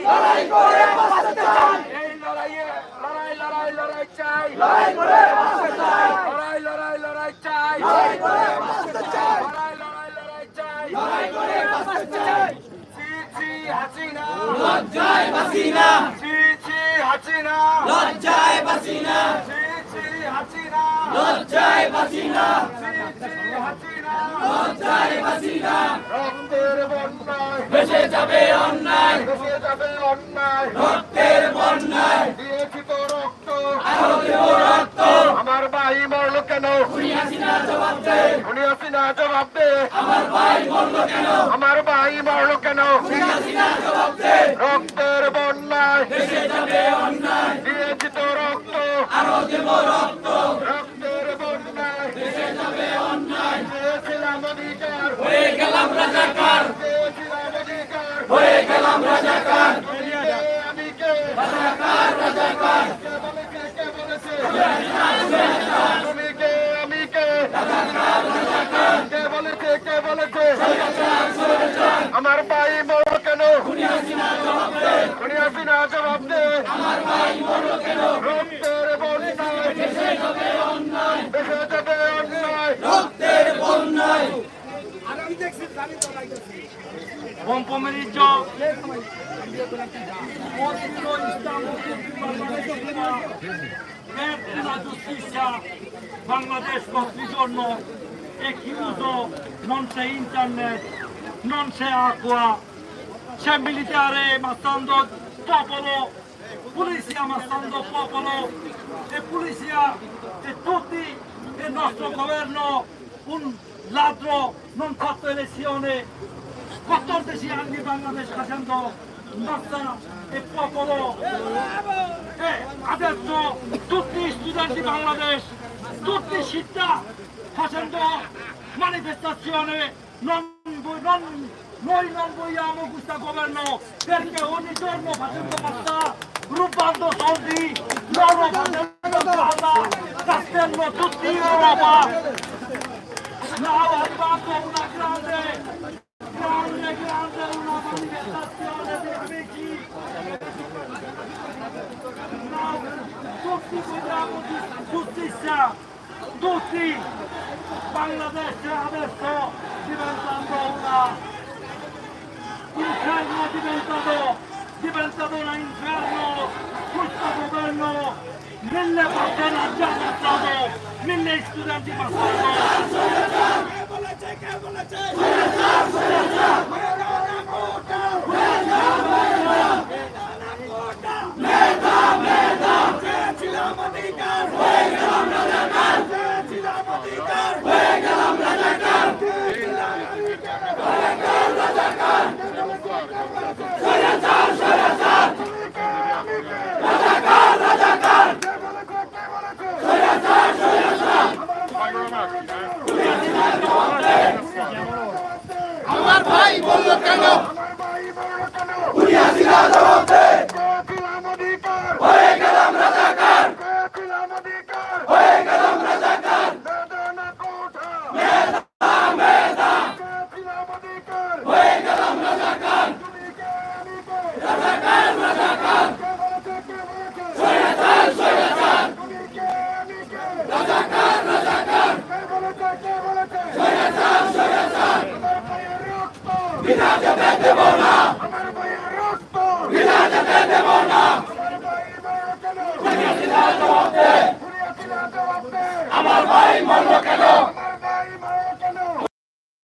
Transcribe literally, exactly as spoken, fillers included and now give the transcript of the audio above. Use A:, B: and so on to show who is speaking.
A: লড়াই করে বাঁচতে চাই
B: এই লড়াইয়ে লড়াই লড়াই লড়াই চাই
A: লড়াই করে বাঁচতে চাই
B: লড়াই লড়াই লড়াই চাই
A: লড়াই করে বাঁচতে চাই
B: লড়াই লড়াই লড়াই চাই
A: লড়াই করে বাঁচতে চাই
B: ছি ছি হাসিনা
A: লজ্জায় বাঁচি না
B: ছি ছি হাসিনা
A: লজ্জায় বাঁচি না
B: ছি ছি হাসিনা
A: লজ্জায় বাঁচি না
B: ছি ছি হাসিনা
A: লজ্জায় বাঁচি না
B: রক্তের বন্যায়
A: ভেসে যাবে অন্যায়
B: ভেসে যাবে অন্যায়
A: রক্তের বন্যায়
B: দিয়েছি তো রক্ত
A: আরো দেব রক্ত
B: আমার ভাই মরলো কেন
A: খুনি হাসিনা জবাব দে
B: খুনি হাসিনা জবাব দে
A: আমার ভাই মরলো কেন
B: আমার ভাই মরলো কেন
A: খুনি হাসিনা জবাব দে
B: রক্তের বন্যায়
A: ভেসে যাবে অন্যায়
B: দিয়েছি তো রক্ত
A: আরো দেব রক্ত
B: রক্তের বন্যায়
A: ভেসে যাবে অন্যায়
B: চেয়েছিলাম অধিকার
A: হয়ে গেলাম রাজাকার
B: চেয়েছিলাম অধিকার
A: হয়ে গেলাম রাজাকার
B: তুমি কে, আমি কে
A: রাজাকার রাজাকার
B: কে বলেছে কে বলেছে তুমি কে আমি কে কে বলেছে কে বলেছে আমার ভাই মরলো কেন
A: খুনি হাসিনা জবাব দে
B: খুনি হাসিনা জবাব দে
A: আমার ভাই মরলো কেন
B: রক্তের বন্যায়
A: ভেসে যাবে অন্যায়
B: ভেসে যাবে অন্যায়
A: রক্তের বন্যায়
B: বম্পমেরিজ Bangladesh contrigiorno è chiuso, non c'è internet, non c'è acqua, c'è militare ammazzando popolo, polizia ammazzando popolo e polizia e tutti il nostro governo un ladro non fatto elezione, quattordici anni Bangladesh facendo massa e popolo e adesso tutti gli studenti Bangladesh, tutte città facendo manifestazione, non, non, noi non vogliamo questo governo perché ogni giorno facendo passare, rubando soldi, loro facendo guarda, castello tutti in Europa. Now è arrivato una grande, grande, grande una manifestazione di amici. Now, tutti vogliamo giustizia, tutti. Bangladesh adesso diventando una inferno è diventato, diventato un inferno. Questo governo mille persone ha già passato, mille studenti passano.
A: আমার ভাই বললো কেন খুনি হাসিনা জবাব দে হয়ে গেলাম রাজাকার হয়ে গেলাম রাজাকার মেধা মেধা হয়ে গেলাম রাজাকার রাজাকার রাজাকার স্বৈরাচার স্বৈরাচার রাজাকার রাজাকার স্বৈরাচার স্বৈরাচার বিনা যেতে দেব না বিনা যেতে দেব না খুনি হাসিনা জবাব দে আমার ভাই মরলো কেন